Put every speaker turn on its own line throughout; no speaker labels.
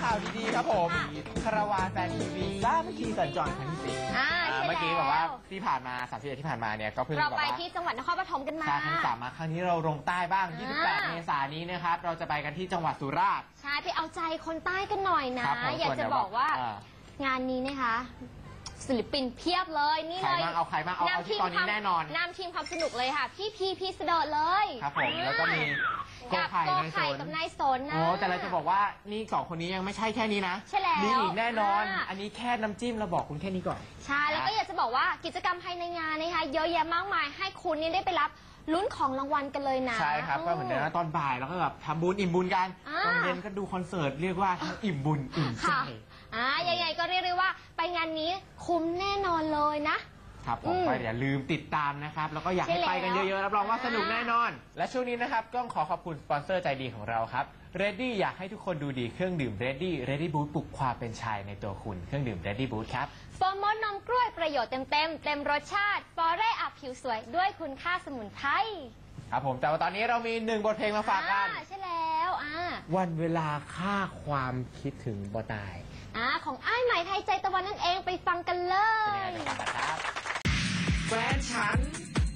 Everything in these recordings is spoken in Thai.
ข่าวดีๆครับผมคาราวานแฟนทีวีล่าเมื่อกี้สัญจรครั้งที่10เมื่อกี้แบบว่าที่ผ่านมา31ที่ผ่านมาเนี่ยก็เพิ่ง
เราไปที่จังหวัดนครปฐมกันมา
ครั้ง3มาครั้งนี้เราลงใต้บ้าง28เมษายนนี้นะครับเราจะไปกันที่จังหวัดสุราษฎร์
ใช่ไปเอาใจคนใต้กันหน่อยนะอยากจะบอกว่างานนี้นะคะศิลปินเพียบเลยนี่เลย
เอาใครบ้างเอาที่ตอนนี้แน่นอน
นำทีมความสนุกเลยค่ะพี่พีเสดร์เลย
ครับผมแล้วก็มีโกไข่
กับนายสนนะ
โอ้แต่เราจะบอกว่านี่2คนนี้ยังไม่ใช่แค่นี้นะ
ใช่แล้ว
มีอีกแน่นอนอันนี้แค่น้ำจิ้มเราบอกคุณแค่นี้ก่อน
ใช่แล้วก็อยากจะบอกว่ากิจกรรมภายในงานนะคะเยอะแยะมากมายให้คุณนี่ได้ไปรับลุ้นของรางวัลกันเลยนะ
ใช่ครับก็เหมือนเดิมตอนบ่ายเราก็แบบทำบุญอิ่มบุญกันตอนเย็นก็ดูคอนเสิร์ตเรียกว่าทั้งอิ่มบุญอิ่มใจ
ยังไงก็เรียกได้ว่าไปงานนี้คุ้มแน่นอนเลยนะครับ
ผมก็อย่าลืมติดตามนะครับแล้วก็อยากให้ไปกันเยอะๆรับรองว่าสนุกแน่นอนและช่วงนี้นะครับก็ขอขอบคุณสปอนเซอร์ใจดีของเราครับ Ready อยากให้ทุกคนดูดีเครื่องดื่ม Ready Boost ปลุกความเป็นชายในตัวคุณเครื่องดื่ม Ready Boost ครับ
โฟมนมกล้วยประโยชน์เต็มรสชาติฟอเร่อัพผิวสวยด้วยคุณค่าสมุนไพร
ครับผมแต่ว่าตอนนี้เรามี1บทเพลงมาฝากกัน
ใช่แล้ว
วันเวลาค่าความคิดถึงบ่ตาย
ของอ้ายไหมไทยใจตะวันนั่นเองไปฟังกันเลย
เป็นยังไงไปฟังกันครับแฟนฉัน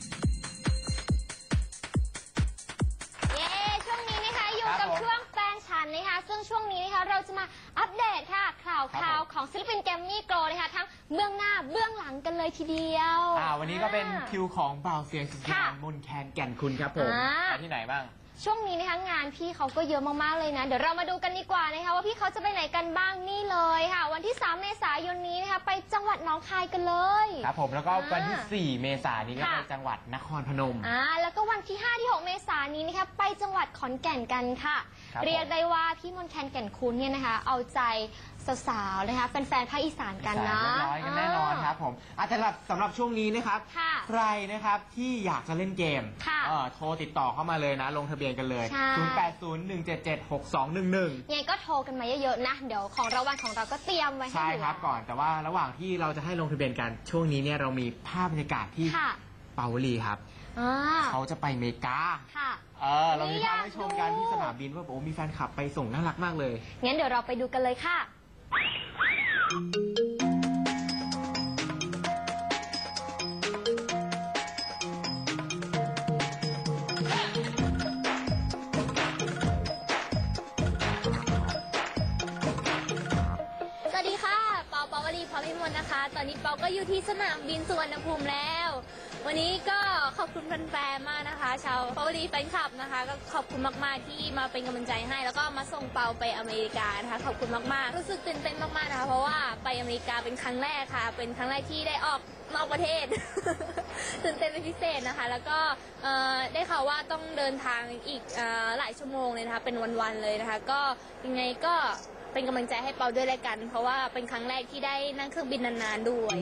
ช่วงนี้นะคะอยู่กับช่วงแฟนฉันนะคะซึ่งช่วงนี้นะคะเราจะมาอัปเดตค่ะข่าวของศิลปินแกรมมี่โกลด์นะคะทั้งเบื้องหน้าเบื้องหลังกันเลยทีเดียว
วันนี้ก็เป็นคิวของบ่าวเสียงสุดยอดมนแคนแก่นคุณครับผมไปที่ไหนบ้าง
ช่วงนี้นะคะงานพี่เขาก็เยอะมากๆเลยนะเดี๋ยวเรามาดูกันดีกว่านะคะว่าพี่เขาจะไปไหนกันบ้างนี่เลยค่ะวันที่3เมษายนนี้นะคะไปจังหวัดหนองคายกันเลย
ครับผมแล้วก็วันที่4เมษายนนี้ก็ไปจังหวัดนครพนม
แล้วก็วันที่5ที่6เมษายนนี้นะคะไปจังหวัดขอนแก่นกันค่ะเรียกได้ว่าพี่มนแคนแก่นคุณเนี่ยนะคะเอาใจสาวๆนะคะแฟนๆภาคอีสานกันนะ
ร้อยกันแน่นอนครับผมสำหรับช่วงนี้นะครับใครนะครับที่อยากจะเล่นเกมโทรติดต่อเข้ามาเลยนะลงทะเบียนกันเลย0801776211
ยังไงก็โทรกันมาเยอะๆนะเดี๋ยวของรางวัลของเราก็เตรียมไว้ให้
ใช่ครับก่อนแต่ว่าระหว่างที่เราจะให้ลงทะเบียนกันช่วงนี้เนี่ยเรามีภาพบรรยากาศที่เปาวลีครับเขาจะไปอเมริกาเรามีภาพให้ชมกันที่สนามบินว่าโอ้มีแฟนคลับไปส่งน่ารักมากเลย
งั้นเดี๋ยวเราไปดูกันเลยค่ะปาวลีพรพิมลนะคะตอนนี้เปาก็อยู่ที่สนามบินสุวรรณภูมิแล้ววันนี้ก็ขอบคุณแฟนๆมากนะคะชาวปาวลีแฟนคลับนะคะก็ขอบคุณมากๆที่มาเป็นกำลังใจให้แล้วก็มาส่งเปาไปอเมริกานะคะขอบคุณมากๆรู้สึกตื่นเต้นมากๆนะคะเพราะว่าไปอเมริกาเป็นครั้งแรกค่ะเป็นครั้งแรกที่ได้ออกนอกประเทศ ตื่นเต้นเป็นพิเศษนะคะแล้วก็ได้ข่าวว่าต้องเดินทางอีกหลายชั่วโมงเลยนะคะเป็นวันๆเลยนะคะก็ยังไงก็เป็นกำลังใจให้เปาด้วยแล้วกันเพราะว่าเป็นครั้งแรกที่ได้นั่งเครื่องบินนานๆด้วย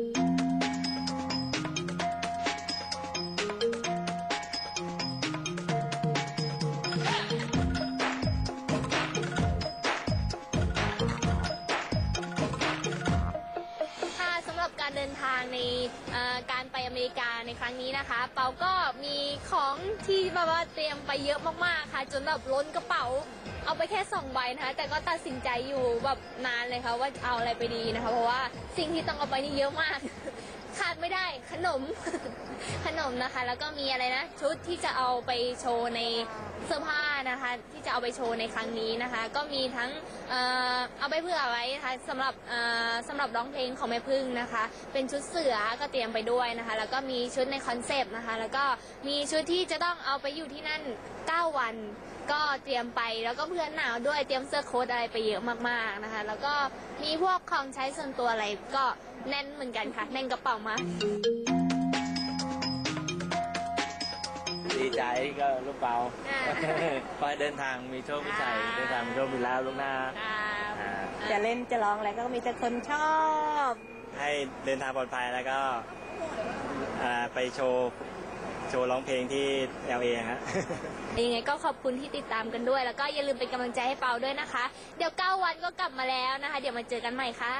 สำหรับการเดินทางในการไปอเมริกาในครั้งนี้นะคะเปาก็มีของที่แบบว่าเตรียมไปเยอะมากๆค่ะจนแบบล้นกระเป๋าเอาไปแค่2ใบนะคะแต่ก็ตัดสินใจอยู่แบบนานเลยค่ะว่าเอาอะไรไปดีนะคะเพราะว่าสิ่งที่ต้องเอาไปนี่เยอะมากขาดไม่ได้ขนมนะคะแล้วก็มีอะไรนะชุดที่จะเอาไปโชว์ในเสื้อผ้านะคะที่จะเอาไปโชว์ในครั้งนี้นะคะก็มีทั้งเอาไปเผื่อไว้นะคะสำหรับร้องเพลงของแม่พึ่งนะคะเป็นชุดเสือก็เตรียมไปด้วยนะคะแล้วก็มีชุดในคอนเซปต์นะคะแล้วก็มีชุดที่จะต้องเอาไปอยู่ที่นั่น9 วันก็เตรียมไปแล้วก็เพื่อนหนาวด้วยเตรียมเสื้อโค้ทอะไรไปเยอะมากๆนะคะแล้วก็มีพวกของใช้ส่วนตัวอะไรก็แน่นเหมือนกันค่ะแน่นกระเป๋ามา
ดีใจก็ลูกเปาพอเดินทางมีโชคมีชัยเดินทางมีโชคมีลาภลูกหน้า
จะเล่นจะร้องอะไรก็มีแต่คนชอบ
ให้เดินทางปลอดภัยแล้วก็ไปโชว์ร้องเพลงที่ LA ฮะ
ยังไงก็ขอบคุณที่ติดตามกันด้วยแล้วก็อย่าลืมเป็นกำลังใจให้เปาด้วยนะคะเดี๋ยว9 วันก็กลับมาแล้วนะคะเดี๋ยวมาเจอกันใหม่ค่ะ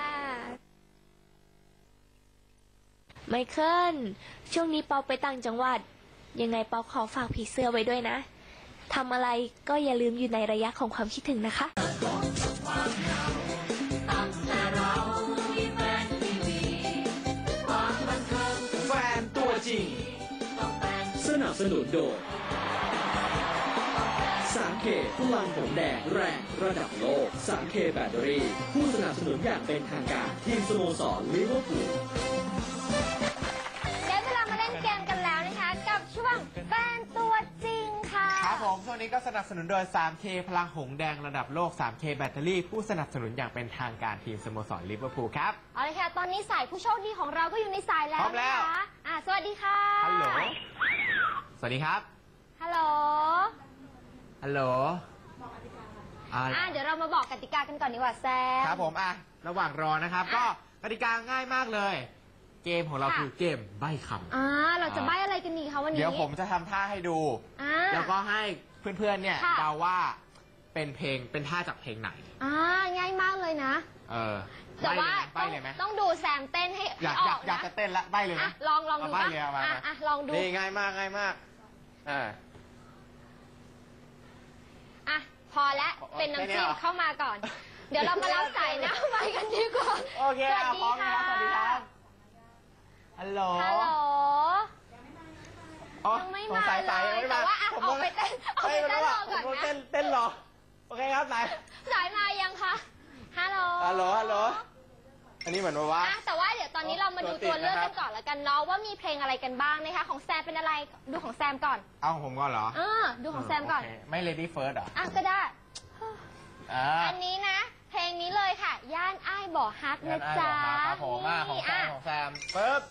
ไมเคิลช่วงนี้เปาไปต่างจังหวัดยังไงเปาขอฝากผีเสื้อไว้ด้วยนะทำอะไรก็อย่าลืมอยู่ในระยะของความคิดถึงนะคะ
แฟนตัวจริงสนับสนุนโดย 3K พลังหงแดงแรงระดับโลก 3K แบตเตอรี่ผู้สนับสนุนอย่างเป็นทางการทีมสโมสรลิเวอร์พูล
ได้เวลามาเล่นเกมกันแล้วนะคะ กับช่วงแฟนตัวจริงค่ะ
ครับผมช่วงนี้ก็สนับสนุนโดย 3K พลังหงแดงระดับโลก 3K แบตเตอรี่ผู้สนับสนุนอย่างเป็นทางการทีมสโมสรลิเวอร์พูลครับ
เอาเลยค่ะ ตอนนี้สายผู้โชคดีของเราก็อยู่ในสายแล้ว
พร้อมแล้ว
นะคะสวัสดีค่ะ
ฮัลโหล สวัสดีครับ
ฮัลโหล
ฮัลโหล
เดี๋ยวเรามาบอกกติกากันก่อนดีกว่าแซม
ครับผมระหว่างรอนะครับ ก็กติกาง่ายมากเลย เกมของเรา
ค่ะ
คือเกมใบ้คำ
เราจะใบ้อะไรกันดีคะวันนี้
เดี๋ยวผมจะทำท่าให้ดู แล้วก็ให้เพื่อนๆเนี่ย
ค่ะ
เดาว่าเป็นเพลงเป็นท่าจากเพลงไหน
ง่ายมากเลยนะ แต่ว่า
ใบ้เลยไหม
ต้องดูแซมเต้นให้
อยาก
อ
อยา
อก ก
อยาก
นะ
จะเต้นละใบ้เลยไหม
ลองดู
เอาใบ้เลยเอามา
ลองดู
นี่ง่ายมากง่ายมาก
พอแล้วเป็นน้ำจิ้ม
แค่นี้เหรอ
เข้ามาก่อน เดี๋ยวเรามารับสายหน้าไมค์กันดีกว่า
โอเค
สวัสดี
พร้อม
ค่ะ
แล้วสวัสดีครับฮัลโหล
ฮัลโหล
อ๋อ
ยังไม่
สง
มา
สัย
เล
สาย
ย
ยังไม่
แต่
มา
ว่า
ผม
ออกไปเต้นออกไปเต้นรอก่อน
ผม
นะ
เต้นรอโอเคครับสาย
สายมายังคะฮัลโหล
ฮัลโหลฮัลโหลอันนี้เหมือนว่า
แต่ว่าเดี๋ยวตอนนี้เรามาดูตัวเลือก
ตัวติดนะครั
กับ นก่อนแล้วกันเนาะว่ามีเพลงอะไรกันบ้างนะคะของแซมเป็นอะไรดูของแซมก่อน
เอาของผมก่อนเหรอ
ดูของแซมก่อน
โเคไม่ Lady First เหรอ
ก็ได้
อั
นนี้นะ เพลงนี้เลยค่ะ ย่านอ้ายบ่อฮักนะจ๊ะ
ครับผมของแซม
นี่
ของแซมปึ๊บ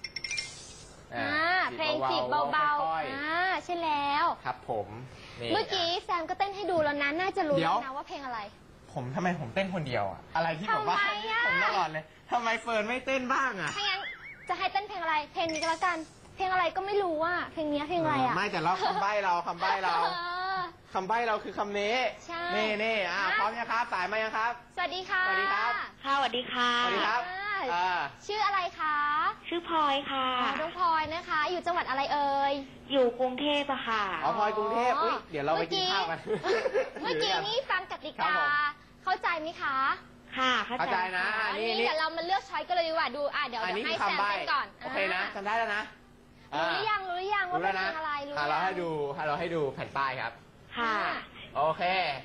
เพลงจีบเบา
ค่อย
ๆใช่แล้ว
ๆครับผมนี่
เมื่อกี้แซมก็เต้นให้ดูแล้วนะน่าจะรู้
เดี๋ยว
แล้วนะว่าเพลงอะไร
ทำไมผมเต้นคนเดียวอะอะไรที่แบบว่า
ทำไมอะ
ผมตลอดเลยทำไมเฟิร์นไม่เต้นบ้างอะ
ถ้างั้นจะให้เต้นเพลงอะไร เพลงนี้ก็แล้วกัน เพลงอะไรก็ไม่รู้อ่ะเพลงนี้เพลงอะไรอ่ะ
ไม่แต่เราคำใบ้เราคำใบ้เรา คำใบ้เราคือคำนี้
ใช่
นี่พร้อมยังครับ สายมายังครับ
สวัสดีค่ะ
สวัสดีครับ
ค่ะสวัสดีค่ะ
สวัสดีครับ
ชื่ออะไรคะ
ชื่อพลอยค่ะ
น้องพลอยนะคะ อยู่จังหวัดอะไรเอ่ย
อยู่กรุงเทพอะค่ะ
อ๋อพลอยกรุงเทพอุ๊ยเดี๋ยวเราไปกินข้าวกัน
เมื่อกี้นี่ฟังกติ
ครั
กา
บผม
เข้าใจไหมคะ
ค่ะ
เข้าใจนะ
อันนี้เดี๋ยวเรามาเลือกช้อยกันเลยดีกว่าดูเดี๋ยว
อันนี้
ให้
คือ
แซม
คำใบ้
เต้นก่อน
โอเคนะจำได้แล้วนะ
รู้หรือยังว่า
รู้
เป็
แล้
น
ว
เพล
นะ
งอะไรรู้
เราให้ดูแผ่นป้ายครับ
ค่ะ
โอเค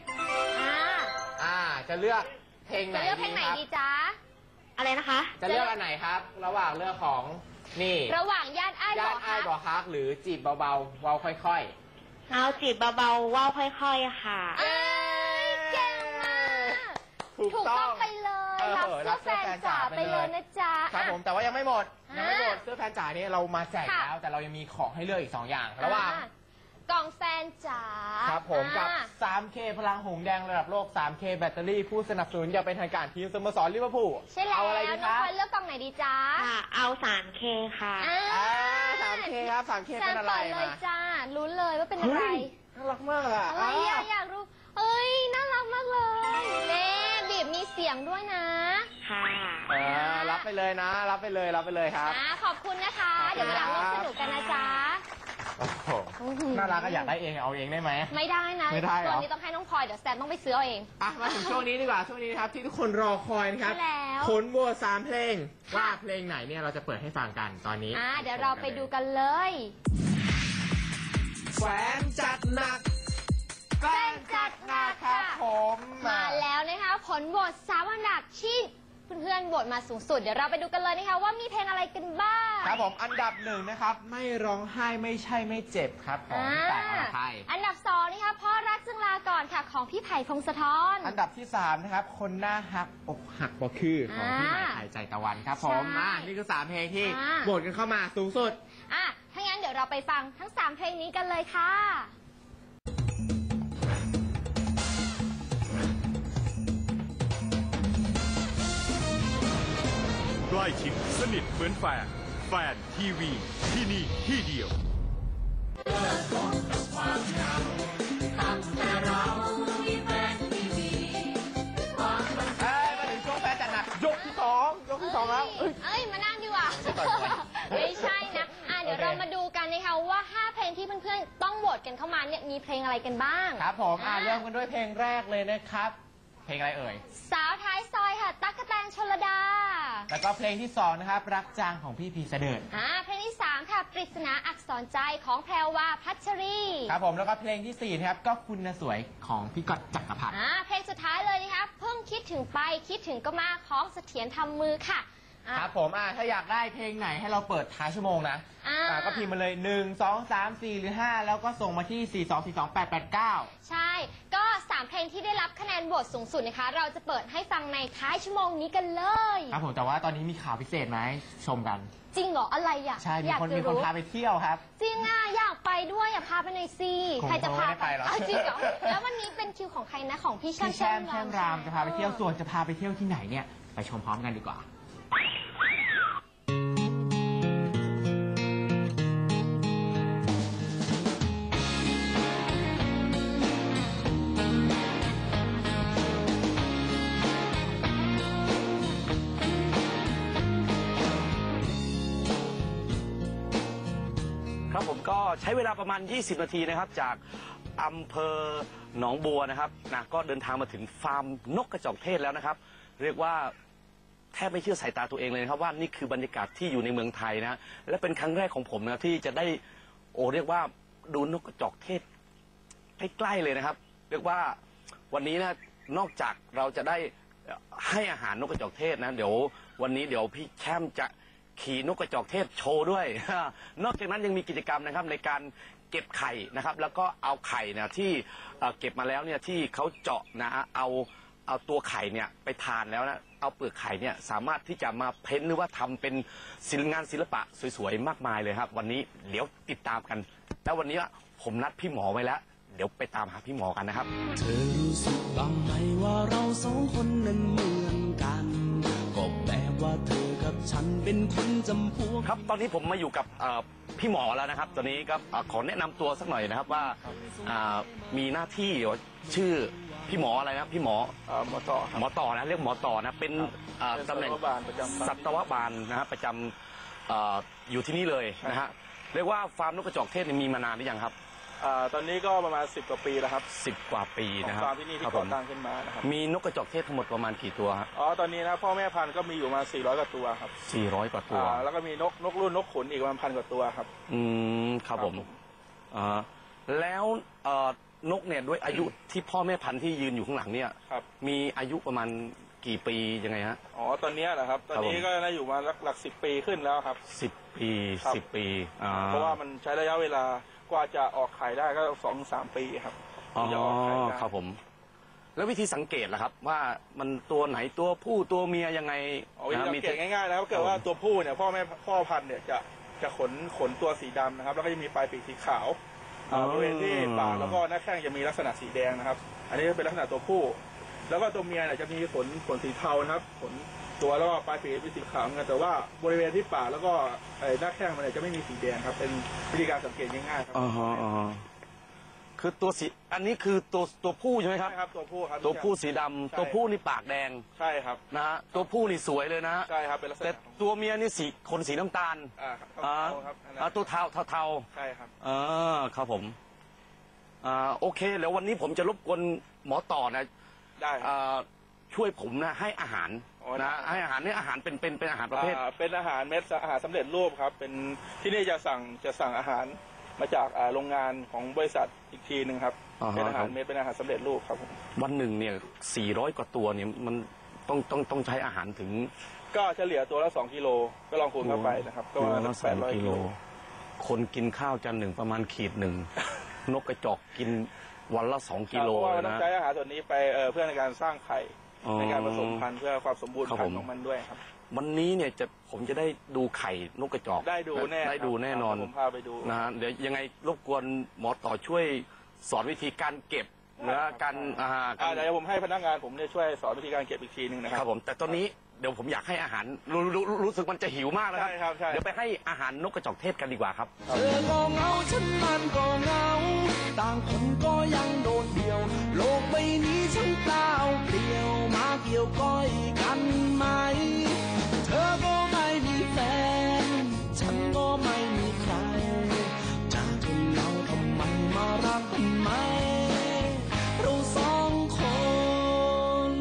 จะเลือกเพลงไหน
จะเลือกเพลงไหน
ครับ
ดีจ๊ะ
อะไรนะคะ
จะเลือกอันไหนครับ ระหว่างเลือกของนี่
ระหว่างย่านอ้าย
ย่า
บ่อน
อ้าย
ฮัก
บ่อฮักหรือจีบเบาๆเบาค่อย
เอาจีบเบาๆว่าวค่อยๆอะค่ะ
เอ้ยเก่งมาก
ๆ ถูกต้อง
ไปเลยรับเสื้อแฟนจ๋าไปเลยนะจ๊ะ
ครับผมแต่ว่ายังไม่หมด
อ่ะ
ยังไม่หมดเสื้อแฟนจ๋านี่เรามาแจก
ค่ะ
แล้ว แต่เรายังมีของให้เลือกอีก 2 อย่าง ระหว่าง
กล่องแฟนจ๋า
ครับผมกับ
อ่า
3K พลังหงแดงระดับโลก 3K แบตเตอรี่ผู้สนับสนุนอย่างเป็นทางการทีมสโมสรลิเวอร์พูล
ใช่แล้ว
เอาอะไรดี
น้
ค
อง
รับ
พลอยเลือกกล่องไหนดีจ๊ะ
ค่ะ เอา 3K ค่ะ
3K ครับ 3K เป็นอะไร
แซมเปิดเลย
มา
จ้ารู้เลยว่าเป็นอะไร
เฮ้ยน่ารักมากอะ
อะไรอยากรู้เอ้ยน่ารักมากเลยเน่บีบมีเสียงด้วยนะ
ค่ะ
รับไปเลยนะ รับไปเลยครับ
ขอบคุณนะคะ
ขอบคุณ
เดี๋ยววันหลังร่วมสนุกกันนะจ๊ะ
โอ้โหน่ารักก็อยากได้เองเอาเองได้ไหม
ไม่ได้นะ
ไม่ได้เหรอ
ตัวนี้ต้องให้น้องพลอยเดี๋ยวแซมต้องไปซื้อเอาเอง
มาถึงช่วงนี้ดีกว่าช่วงนี้นะครับที่ทุกคนรอคอยนะครับ
ใช่แล้ว
ผลโหวต3 เพลงว่าเพลงไหนเนี่ยเราจะเปิดให้ฟังกันตอนนี้
เดี๋ยวเราไปดูกันเลย
แฟนจัดหนักแฟนจัดหนักครับผม
มาแล้วนะคะผลโหวต3อันดับที่เพื่อนๆโหวตมาสูงสุดเดี๋ยวเราไปดูกันเลยนะคะว่ามีเพลงอะไรกันบ้าง
ครับผมอันดับ1นะครับไม่ร้องไห้ไม่ใช่ไม่เจ็บครับของพี่ต่ายอรไทย
อันดับ2นะคะพ่อรักจึงลาก่อนค่ะของพี่ไผ่พงศธร
อันดับที่3นะครับคนหน้าหักอกหักบ่คือของพี่หมายไทยใจตะวันครับผม
ใช่
นี่คือ3เพลงที่
อ่า
โหวตกันเข้ามาสูงสุด
ถ้างั้นเดี๋ยวเราไปฟังทั้ง3เพลงนี้กันเลยค่ะ
ใกล้ชิดสนิทเหมือนแฟน แฟนทีวีที่นี่ที่เดียว
มาถึงช่วงแฟนจัดหนักยกที่2แล้ว
มานั่งดีกว่า ไม่ใช่นะเดี๋ยว
โอเค
เรามาดูกันนะคะว่า5เพลงที่เพื่อนๆต้องโหวตกันเข้ามาเนี่ยมีเพลงอะไรกันบ้าง
ครับผมเริ่มกันด้วยเพลงแรกเลยนะครับเพลงอะไรเอ่ย
สาวท้ายซอยค่ะตั๊กแตนชลดา
แล้วก็เพลงที่2นะครับรักจางของพี่พีเสดิร์ด
เพลงที่3ค่ะปริศนาอักษรใจของแพรวาพัชรี
ครับผมแล้วก็เพลงที่4นะครับก็คุณน่ะสวยของพี่ก๊อตจักรพัฒน์
เพลงสุดท้ายเลยนะคะเพิ่งคิดถึงไปคิดถึงก็มาของเสถียรทำมือค่ะ
ครับผมถ้าอยากได้เพลงไหนให้เราเปิดท้ายชั่วโมงนะก็พิมพ์มาเลย1 2 3 4หรือ5แล้วก็ส่งมาที่ 4242889
ใช่ก็3เพลงที่ได้รับคะแนนโหวตสูงสุดนะคะเราจะเปิดให้ฟังในท้ายชั่วโมงนี้กันเลย
ครับผมแต่ว่าตอนนี้มีข่าวพิเศษมาให้ชมกัน
จริงเหรออะไรอ่ะ
ใช่มี
อยาก
คน
จะ
มีคน
รู้
พาไปเที่ยวครับ
จริงอ่ะอยากไปด้วยอยากพาไปหน่อยสิ
คง
ใครจะพา
ไม่ได้ไปหรอก
จริงเหรอแล้ววันนี้เป็นคิวของใครนะของพี่แช่
พี่แช่มแช่มรามจะพาไปเที่ยวส่วนจะพาไปเที่ยวที่ไหนเนี่ยไปชมพร้อมกันดีกว่า
ครับผมก็ใช้เวลาประมาณ 20 นาทีนะครับจากอำเภอหนองบัวนะครับก็เดินทางมาถึงฟาร์มนกกระจอกเทศแล้วนะครับเรียกว่าแทบไม่เชื่อสายตาตัวเองเลยนะครับว่านี่คือบรรยากาศที่อยู่ในเมืองไทยนะและเป็นครั้งแรกของผมนะที่จะได้เรียกว่าดูนกกระจอกเทศใกล้ๆเลยนะครับเรียกว่าวันนี้นะนอกจากเราจะได้ให้อาหารนกกระจอกเทศนะเดี๋ยววันนี้เดี๋ยวพี่แช่มจะขี่นกกระจอกเทศโชว์ด้วย นอกจากนั้นยังมีกิจกรรมนะครับในการเก็บไข่นะครับแล้วก็เอาไข่เนี่ยที่เก็บมาแล้วเนี่ยที่เขาเจาะนะเอาตัวไข่เนี่ยไปทานแล้วนะเอาเปลือกไข่เนี่ยสามารถที่จะมาเพ้นท์หรือว่าทำเป็นงานศิลปะสวยๆมากมายเลยครับวันนี้เดี๋ยวติดตามกันแล้ววันนี้ผมนัดพี่หมอไว้แล้วเดี๋ยวไปตามหาพี่หมอกันนะครับ
เธอรู้สึกบ้างไหมว่าเราสองคนนั้นเหมือนกันก็แบบว่าเธอกับฉันเป็นคนจำพวก
ครับตอนนี้ผมมาอยู่กับพี่หมอแล้วนะครับตอนนี้ก็ขอแนะนำตัวสักหน่อยนะครับว่ามีหน้าที่ชื่อพี่หมออะไรนะพี่หมอหมอต่อนะเรียกหมอต่อนะเป็นตำแหน่งสัตวบาลนะครับประจำอยู่ที่นี่เลยนะฮะเรียกว่าฟาร์มนกกระจอกเทศมีมานานหรือยังครับ
ตอนนี้ก็ประมาณ10 กว่าปีแล้วครับ
10 กว่าปีนะครับ
ฟาร์มที่นี่ที่ก่อตั้งขึ้นมานะครับ
มีนกกระจอกเทศทั้งหมดประมาณกี่ตัวครับ
ตอนนี้นะพ่อแม่พันธุ์ก็มีอยู่มา400 กว่าตัวครับ
400 กว่าตัว
แล้วก็มีนกรุ่นนกขุนอีกประมาณ1,000 กว่าตัวครับ
ครับผมแล้วนกเนี่ยด้วยอายุที่พ่อแม่พันธุ์ที่ยืนอยู่ข้างหลังเนี่ยมีอายุประมาณกี่ปียังไงฮะ
ตอนนี้เหรอครับตอนนี้ก็น่าอยู่มาหลัก10 ปีขึ้นแล้วครับ
10 ปี10 ปี
เพราะว่ามันใช้ระยะเวลากว่าจะออกไข่ได้ก็ 2-3 ปีครับ
จะออกไข่ได้ครับผมแล้ววิธีสังเกตล่ะครับว่ามันตัวไหนตัวผู้ตัวเมียยังไง
วิธีสังเกตง่ายๆนะครับเกิดว่าตัวผู้เนี่ยพ่อพันธุ์เนี่ยจะขนตัวสีดำนะครับแล้วก็จะมีปลายปีกสีขาวบริเวณที่ปากแล้วก็หน้าแข้งจะมีลักษณะสีแดงนะครับอันนี้เป็นลักษณะตัวผู้แล้วก็ตัวเมียเนี่ยจะมีขนสีเทานะครับขนตัวแล้วก็ปลายปีกเป็นสีขาวกันแต่ว่าบริเวณที่ปากแล้วก็หน้าแข้งมันจะไม่มีสีแดงครับเป็นวิธีการสังเกตง่ายๆครับ
คือตัวสีอันนี้คือตัวผู้ใช่ไหมครับ
ใช่ครับตัวผู้ครับ
ตัวผู้สีดำตัวผู้นี่ปากแดง
ใช่ครับ
นะฮะตัวผู้นี่สวยเลยนะ
ใช่ครับเป็นลักษณะ
แต่ตัวเมียนี่ขนสีน้ำตาลตัวเทา
ใช่ครับ
ครับผมโอเคแล้ววันนี้ผมจะรบกวนหมอต่อนะ
ได้
ช่วยผมนะให้อาหารนะให้อาหารนี่อาหารเป็นอาหารประเภท
เป็นอาหารเม็ดอาหารสำเร็จรูปครับเป็นที่นี่จะสั่งอาหารมาจากโรงงานของบริษัทอีกทีหนึ่งครับเป็นอาหารเม็ดเป็นอาหารสำเร็จรูปครับ
วันหนึ่งเนี่ย400 กว่าตัวเนี่ยมันต้องใช้อาหารถึง
ก็เฉลี่ยตัวละ2 กิโลก็ลองคูณเข้าไปนะครับก็ประมาณ800 กิโล
คนกินข้าวจานหนึ่งประมาณขีดหนึ่งนกกระจอกกินวันละ2 กิโล
นะเพราะว่าต้องใช้อาหารส่วนนี้ไปเพื่อในการสร้างไข่ในการผสมพันธุ์เพื่อความสมบูรณ์พันธุ์ของมันด้วยครับ
วันนี้เนี่ยผมจะได้ดูไข่นกกระจอก
ได้ดูแ
น่นอน
ผมพาไปดู
นะฮะเดี๋ยวยังไงรบกวนหมอต่อช่วยสอนวิธีการเก็บเนื้อการ
เดี๋ยวผมให้พนักงานผมเนี่ยช่วยสอนวิธีการเก็บอีกทีนึงนะครับ
ผมแต่ตอนนี้เดี๋ยวผมอยากให้อาหารรู้สึกมันจะหิวมากแล้ว
ครับ
เดี๋ยวไปให้อาหารนกกระจอกเทศกันดีกว่าครับ
เธอก็เหงาฉันมันก็เหงาต่างคนก็ยังโดดเดี่ยวโลกใบนี้ฉันเปล่าเปลี่ยวมาเกี่ยวก้อยกันไหมเธอก็ไม่มีแฟนฉันก็ไม่มีใครจะทนเราทำไมมารักกันไหมเรา2 คน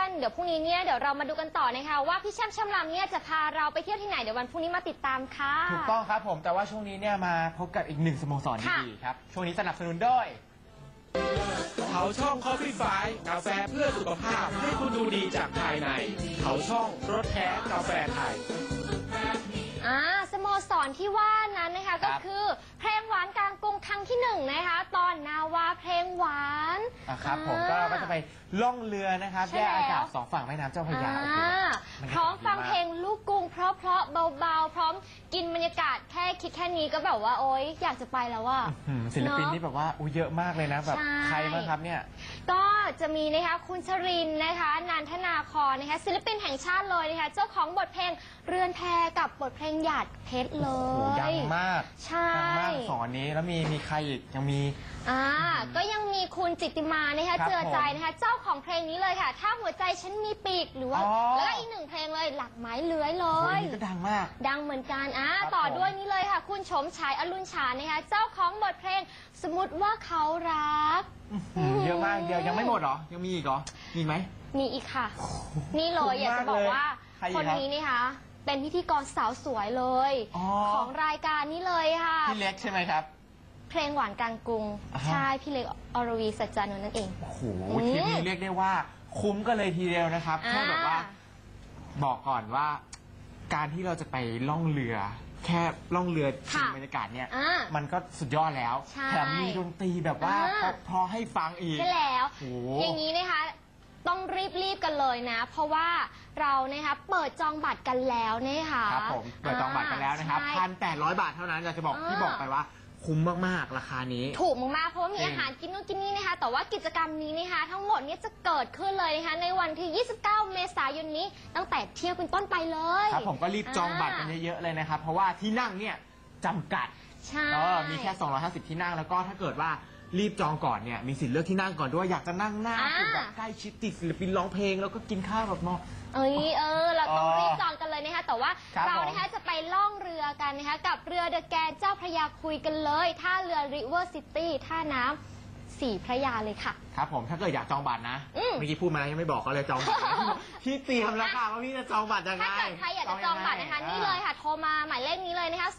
เดี๋ยวพรุ่งนี้เนี่ยเดี๋ยวเรามาดูกันต่อนะคะว่าพี่แช่มช่ำลำเนี่ยจะพาเราไปเที่ยวที่ไหนเดี๋ยววันพรุ่งนี้มาติดตามค่ะ
ถูกต้องครับผมแต่ว่าช่วงนี้เนี่ยมาพบกับอีกหนึ่งสโมสร
ค่ะ
ดีๆครับช่วงนี้สนับสนุนโดย
เขาช่อง Coffee Five กาแฟเพื่อสุขภาพให้คุณดูดีจากภายใน เขาช่องรสแท้กาแฟไทย
สโมสรที่ว่านั้นนะคะ
ครั
ก็
บ
คือเพลงหวานกลางกรุงครั้งที่1นะคะตอนนาวาเพลงหวาน
ครับผมก็เราก็จะไปล่องเรือนะครับ
ใช่
แยกอากาศ
แล้ว
สองฝั่งแม่น้ำเจ้าพระยาโอ้โหบรรยากาศ
พร้อมฟัง
ดีาก
เพลงลูกกรุงเพราะเบาๆพร้อมกินบรรยากาศแค่คิดแค่นี้ก็แบบว่าโอ๊ยอยากจะไปแล้วว่า
ศิลปินนี่แบบว่าเยอะมากเลยนะแบบ
ใช่
ใครบ้างครับเนี่ย
ก็จะมีนะคะคุณชรินทร์นะคะนันทนาครนะคะศิลปินแห่งชาติเลยนะคะเจ้าของบทเพลงเรือนแพกับบทเพลงหยาดเพชรเล
โอ้โห
ย
ดังมาก
ใช่
ดังมากสอนนี้แล้วมีใครอีกยังมี
ก็ยังมีคุณจิตติมานะคะ
ครับ
เจือใจนะคะเจ้าของเพลงนี้เลยค่ะ ถ้าหัวใจฉันมีปีกหรือว่า
อ๋อ
แล้วก็อีกหนึ่งเพลงเลยหลักไม้เลื้อยเล
โอ้ย
ย
นี่ก็ดังมาก
ดังเหมือนกัน
ครับ
ต่อ
ผม
ด้วยนี่เลยค่ะ คุณชมชายอรุณชานะคะเจ้าของบทเพลงสมมติว่าเขารัก
เยอะมากเดียวยังไม่หมดเหรอยังมีอีกเหรอมีไหม
มีอีกค่ะ นี่เลยอยากจะบอกว่า
ใครอีก
คน
ครับ
นี้นะคะเป็นพิธีกรสาวสวยเลย
อ๋อ
ของรายการนี้เลยค่ะ
พี่เล็กใช่ไหมครับ
เพลงหวานกลางกรุง
อ่าฮะ
ใช่พี่เล็กอรวีสัจจานนท์นั่นเอง
โอ้โหทริปนี้เรียกได้ว่าคุ้มกันเลยทีเดียวนะครับแค่แบบว่าบอกก่อนว่า การที่เราจะไปล่องเรือ แค่ล่องเรือชมบรรยากาศเนี่ย มันก็สุดยอดแล้ว
ใช่
แถมมีดนตรีแบบว่าเพราะให้ฟังอีก
ใช่แล้ว
โอ้
อย่างนี้นะคะต้องรีบกันเลยนะ เพราะว่าเรานะคะเปิดจองบัตรกันแล้วนะคะ
ครับผมเปิดจองบัตรกันแล้วนะครับ
ใช่
1,800 บาทเท่านั้นอยากจะบอกที่บอกไปว่าคุ้มมากๆราคานี้
ถูกมากๆเพราะว่ามี
จริง
อาหารกินนู่นกินนี่นะคะ แต่ว่ากิจกรรมนี้นะคะทั้งหมดเนี้จะเกิดขึ้นเลยนะคะในวันที่ 29 เมษายนนี้ตั้งแต่เที่ยงเป็นต้นไปเลย
ครับผมก็รีบจองบัตรกันเยอะๆเลยนะครับ เพราะว่าที่นั่งเนี่ยจำกัด
ใช่
มีแค่ 250 ที่นั่งแล้วก็ถ้าเกิดว่ารีบจองก่อนเนี่ยมีสิทธิ์เลือกที่นั่งก่อนด้วยอยากจะนั่งหน้าคือแบบใกล้ชิดติดศิลปินร้องเพลงแล้วก็กินข้าวแบบมอง
เราต้องรีบจองกันเลยนะคะแต่ว่า
ครับ
เรา
ผม
นะคะจะไปล่องเรือกันนะคะกับเรือเดอะแกนเจ้าพระยาคุยกันเลยท่าเรือริเวอร์ซิตี้ท่าน้ำสีพระยาเลยค่ะ
ครับผมถ้าเกิดอยากจองบัตรนะเมื่อกี้พูดมาแล้วยังไม่บอกเขาเลยจองบัตรนะพี่เตรียมแล้วค่ะว่าพี่จะจองบัตรยังไง
ถ้าเกิดใครอยากจะจองบัตรนะคะนี่เลยค่ะโทรมาหมายเลขนี้เลยนะคะ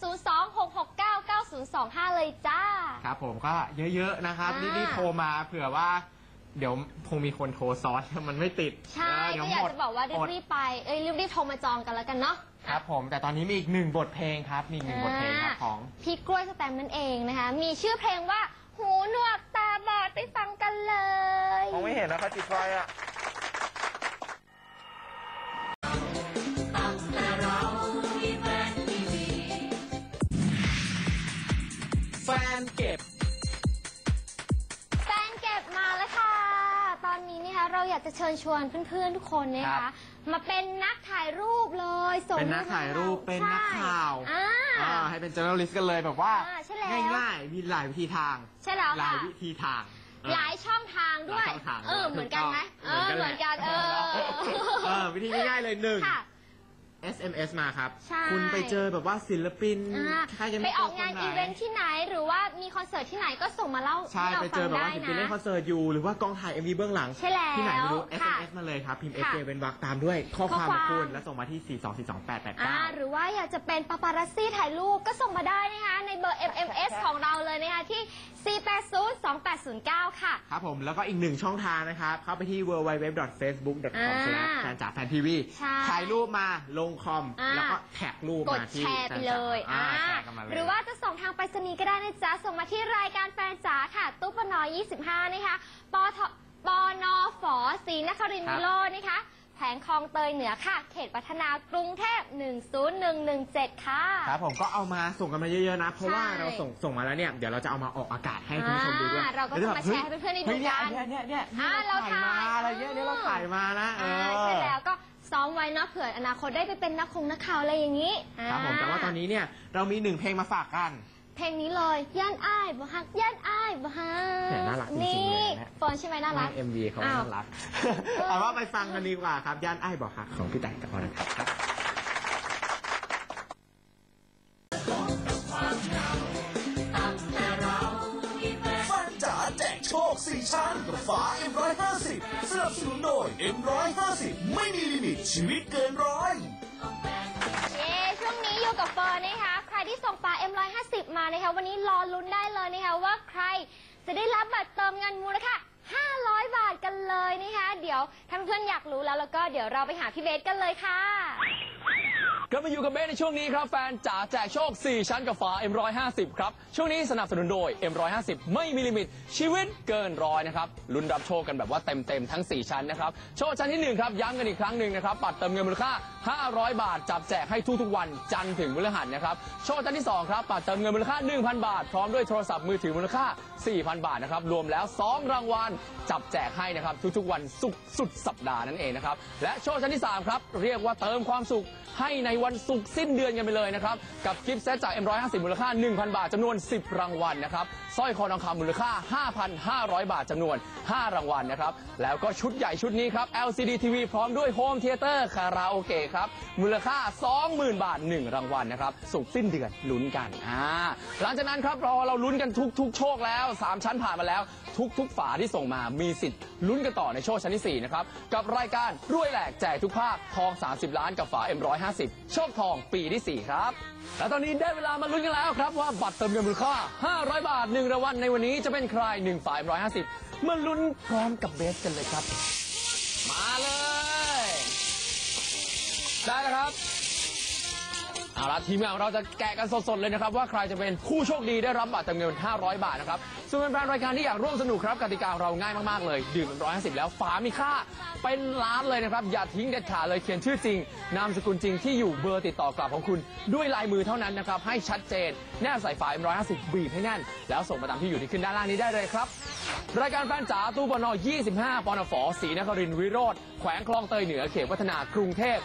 026699025 เลยจ้า
ครับผมก็เยอะๆนะครับรีบๆโทรมาเผื่อว่า เดี๋ยวคงมีคนโทรซ้อนมันไม่ติด
ใช่
เดี๋
ก็
ว
อยาก
หมด
จะบอกว่ารีบๆไปรีบๆโทรมาจองกันแล้วกันเนาะ
ครับผมแต่ตอนนี้มีอีกหนึ่งบทเพลงครับมีอีกหนึ่งบทเพลงครับของ
พี่กล้วยสแตมป์นั่นเองนะคะมีชื่อเพลงว่าหูหนวกตาบอดไปฟังกันเลย
มองไม่เห็นนะเขาจิตไฟอ่ะ
แฟนเก็บ
แฟนเก็บมาแล้วค่ะ ตอนนี้นะคะเราอยากจะเชิญชวนเพื่อนๆทุกคนนะ
ครั
คะ
บ
มาเป็นนักถ่ายรูปเลยส่ง
เป็นนักถ่ายรูปเป็นนักข่าว
ใช่อ่า
ให้เป็น journalist กันเลยแบบว่า
ใช่แล้ว
ง่ายๆมีหลายวิธีทาง
ใช่แล้ว
หลาย
ค่ะ
วิธีทาง
หลายช่องทางด้วย
หลายช่องทาง
เหมือนกันไหมเหมือนกัน
วิธีง่ายๆเลยหนึ่ง
ค่ะ
SMS มาครับ
ใช่
คุณไปเจอแบบว่าศิลปิน ใครจะ
ไป
ไม่
อ
เจ
อ
อก
งาน
คไห
อีเวนท์ที่ไหนหรือว่ามีคอนเสิร์ตที่ไหนก็ส่งมาเล่า
ใช่
ให้เรา
ไปเจ
ฟั
อง แบบ
ได้
ว่าศิลปิน
นะ
เล่นคอนเสิร์ตอยู่หรือว่ากองถ่าย MV เบื้องหลัง
ใช่แล้ว
ที่ไหนไม่รู้
ค่ะ
SMS มาเลยครับ พิมพ์
ค่ะ
SJ เป็นวรรคตามด้วยข้อความ
ข้อ
ข
ความ
องคุณแล้วส่งมาที่ 4242889
หรือว่าอยากจะเป็นปาปารัสซี่ถ่ายรูปก็ส่งมาได้นะคะในเบอร์ MMS ของเราเลยนะคะที่ 4802809 ค่ะ
ครับผมแล้วก็อีกหนึ่งช่องทางนะครับ เข้าไปที่ www.facebook.com/fantvtv
ใช่
ถ่ายรูปมาลงคอม แล้วก็แท็กรูป
กด
มาที่
แชร์ไปเลย
แชร์กันมาเลย
หรือว่าจะส่งทางไปรษณีย์ก็ได้นะจ๊ะ ส่งมาที่รายการแฟนจ๋าค่ะ ตู้ปน25 นะคะปนฝศรีนครินทร์วิโรจน์นะคะแผงคลองเตยเหนือค่ะ เขตพัฒนากรุงเทพ 10117 ค่ะ
ครับผมก็เอามาส่งกันมาเยอะๆนะ เพราะว่า
ใช่
เราส่งมาแล้วเนี่ยเดี๋ยวเราจะเอามาออกอากาศให้คุณผู้ชมดูด้วย
เราก็จะมาแชร์ให้เพื่อนๆได้ดูกัน
เนี่ย
เรา
ถ่ายมา
ถ่าย
อะไรเงี้ยเนี่ยเราถ่ายมานะ
ใช่แล้วก็ซ้อมไว้เนาะเผื่ออนาคตได้ไปเป็นนักข่าวอะไรอย่างนี้
ครับผมแต่ว่าตอนนี้เนี่ยเรามีหนึ่งเพลงมาฝากกัน
เพลงนี้เลยย่านอ้ายบ่ฮักย่านอ้ายบ่ฮัก
แหมน่ารักจริงๆ
นี่
เลยนะ
โฟนใช่ไหมน่ารัก
MV เขา
อ้าว
น่ารัก เอาว่าไปฟังกันดีกว่าครับ ย่านไอ้ายบอกหักของพี่แต่กับพรนะครับ
ฟันจ๋าแจกโชค4 ชั้นกับฝา M150 สนับสนุนโดย M150 ไม่มีลิมิตชีวิตเกินร้อย
เย้ช่วงนี้อยู่กับเฟิร์นนะคะใครที่ส่งฝา M150 มานะคะวันนี้รอลุ้นได้เลยนะคะว่าใครจะได้รับบัตรเติมเงินมูลค่า500 บาทกันเลยนะคะเดี๋ยวท่านเพื่อนอยากรู้แล้วก็เดี๋ยวเราไปหาพี่เบสกันเลยค่ะ
กลับมาอยู่กับเบสในช่วงนี้ครับแฟนจ๋าแจกโชค 4 ชั้นกับฝา M150 ครับช่วงนี้สนับสนุนโดย M150 ไม่มีลิมิตชีวิตเกินร้อยนะครับลุ้นรับโชคกันแบบว่าเต็มทั้ง 4 ชั้นนะครับโชคชั้นที่1ครับย้ำกันอีกครั้งหนึ่งนะครับบัตรเติมเงินมูลค่า500 บาทจับแจกให้ทุกวันจันทร์ถึงพฤหัสนะครับโชคชั้นที่2ครับบัตรเติมเงินมูลค่า 1,000 บาทพร้อมด้วยโทรศัพท์มือถือมูลค่า 4,000 บาทนะครับรวมแล้ว2รางวัลจับแจกให้นะครับทุกวันศุกร์สุดสัปดาห์นั่นเองนะครับและโชคชั้นที่3ครับเรียกว่าเติมความสุขให้ในวันศุกร์สิ้นเดือนกันไปเลยนะครับกับกิฟต์เซตจาก M150 มูลค่า 1,000 บาทจำนวน10รางวัลนะครับสร้อยคอทองคำมูลค่า 5,500 บาทจำนวน5รางวัลนะครับแล้วก็ชุดใหญ่ชุดนี้ครับ LCD TV พร้อมด้วยโฮมเธียเตอร์คาราโอเกะครับมูลค่า 20,000 บาท1รางวัลนะครับศุกร์สิ้นเดือนลุ้นกันหลังจากนั้นครับเราลุ้นกันทุกโชคแล้ว3ชั้นผ่านมาแล้วทุกฝาที่ส่งมามีสิทธิ์ลุ้นกันต่อในโชคชั้นที่4นะครับกับรายการรวยแหลกแจกทุกภาคทอง30ล้านกับฝา M150 โชคทองปีที่4ครับและตอนนี้ได้เวลามาลุ้นกันแล้วครับว่าบัตรเติมเงินมูลค่า500 บาท1รางวัลในวันนี้จะเป็นใคร1ฝา M150 มาลุ้นพร้อมกับเบสกันเลยครับมาเลยได้แล้วครับเอาละทีมงานของเราจะแกะกันสดๆเลยนะครับว่าใครจะเป็นผู้โชคดีได้รับบัตรเติมเงิน500 บาทนะครับส่วนแฟนๆรายการที่อยากร่วมสนุกครับกติกาของเราง่ายมากๆเลยดื่ม150แล้วฝามีค่าเป็นล้านเลยนะครับอย่าทิ้งเด็ดขาดเลยเขียนชื่อจริงนามสกุลจริงที่อยู่เบอร์ติดต่อกลับของคุณด้วยลายมือเท่านั้นนะครับให้ชัดเจนแนบใส่ฝา M150 บีบให้แน่นแล้วส่งมาตามที่อยู่ที่ขึ้นด้านล่างนี้ได้เลยครับรายการแฟนจ๋าตู้ปน25ปนฝศรีนครินทร์วิโรธแขวงคลองเตยเหนือเขตวัฒนากรุงเทพ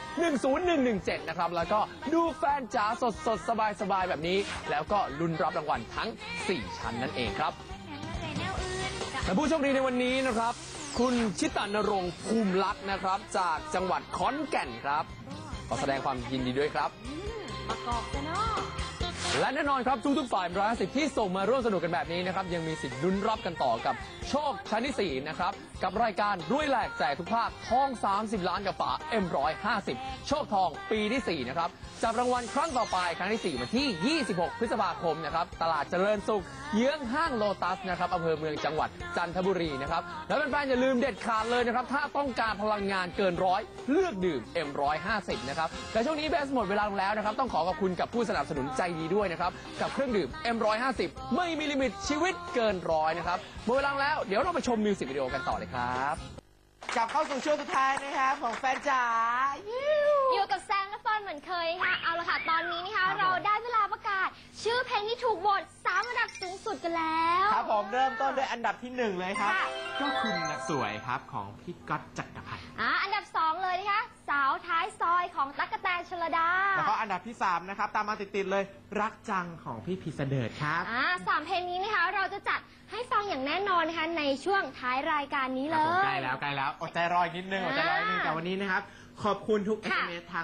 10117นะครับแล้วก็ดูแฟนจ๋าสดสบายแบบนี้แล้วก็ลุ้นรับรางวัลทั้ง4ชั้นนั่นเองครับและผู้โชคดีในวันนี้นะครับคุณชิตานรงค์ภูมิลักษณ์นะครับจากจังหวัดขอนแก่นครับขอแสดงความยินดีด้วยครับ
ประกอบกันเนาะ
และแน่นอนครับทุกๆฝ่าย150ที่ส่งมาร่วมสนุกกันแบบนี้นะครับยังมีสิทธิ์ลุ้นรับกันต่อกับโชคชั้นที่4นะครับกับรายการรวยแหลกแจกทุกภาคทอง30ล้านกับฝา M150 โชคทองปีที่4นะครับจับรางวัลครั้งต่อไปครั้งที่4วันที่26พฤษภาคมนะครับตลาดเจริญสุขเยื้องห้างโลตัสนะครับอำเภอเมืองจังหวัดจันทบุรีนะครับแล้วแฟนๆอย่าลืมเด็ดขาดเลยนะครับถ้าต้องการพลังงานเกินร้อยเลือกดื่ม M150 นะครับแต่ช่วงนี้เบสหมดเวลาลงแล้วนะครับต้องขอบคุณกับผู้สนับสนุนใจดีด้วยนะครับกับเครื่องดื่ม M150 ไม่มีลิมิตชีวิตเกินร้อยนะครับหมดเวลาแล้วเดี๋ยวเราไปชมมิวสิกวิดีโอกันต่อเลยครับ
กลับเข้าสู่ช่วงสุดท้ายนะครับของแฟนจ๋า
อยู่กับแซงและเฟิร์นเหมือนเคยค่ะเอาละค่ะตอนนี้นะคะเราได้เวลาประกาศชื่อเพลงที่ถูกโหวต3อันดับสูงสุดกันแล้ว
ครับผมเริ่มต้นด้วยอันดับที่1เลยครับก็คุณสวยครับของพี่ก๊อตจักรพันธ์
อันดับ2เลยนะคะสาวท้ายซอยของตั๊กแตนชลดา
แล้วก็อันดับที่3นะครับตามมาติดๆเลยรักจังของพี่พีเสดิร์ดครับ
3เพลงนี้นะคะเราจะจัดให้ฟังอย่างแน่นอนนะคะในช่วงท้ายรายการนี้เลย
ใกล้แล้วอดใจรออีกนิดนึงแต่วันนี้นะครับขอบคุณทุก SMS ทาง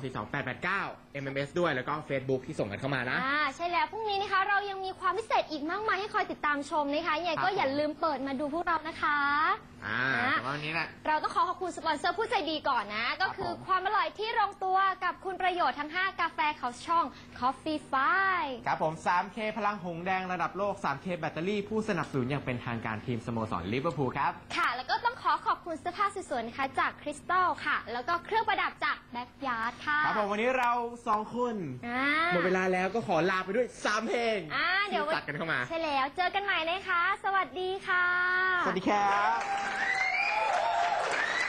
4242889 MMS ด้วยแล้วก็ Facebook ที่ส่งกันเข้ามานะ
ใช่แล้วพรุ่งนี้นะคะเรายังมีความพิเศษอีกมากมายให้คอยติดตามชมนะคะยังไงก็อย่าลืมเปิดมาดูพวกเรานะคะ
วันนี้นะ
เราต้องขอบคุณสปอนเซอร์ผู้ใจดีก่อนนะก็คือความอร่อยที่ลงตัวกับคุณประโยชน์ทั้ง5กาแฟเขาช่อง Coffee Five
ครับผม 3K พลังหงแดงระดับโลก 3K แบตเตอรี่ผู้สนับสนุนอย่างเป็นทางการทีมสโมสรลิเวอร์พูลครับ
ค่ะแล้วก็ต้องขอบคุณเสื้อผ้าสวยๆนะคะจากคริสตัลค่ะแล้วก็เครื่องประดับจากแบ็คยาร์ดค่ะ
ครับผมวันนี้เรา2คนหมดเวลาแล้วก็ขอลาไปด้วย3เพลง
เดี๋ยว
ตัดกันเข้ามา
ใช่แล้วเจอกันใหม่นะคะสวัสดีค่ะ
สวัสดีครับ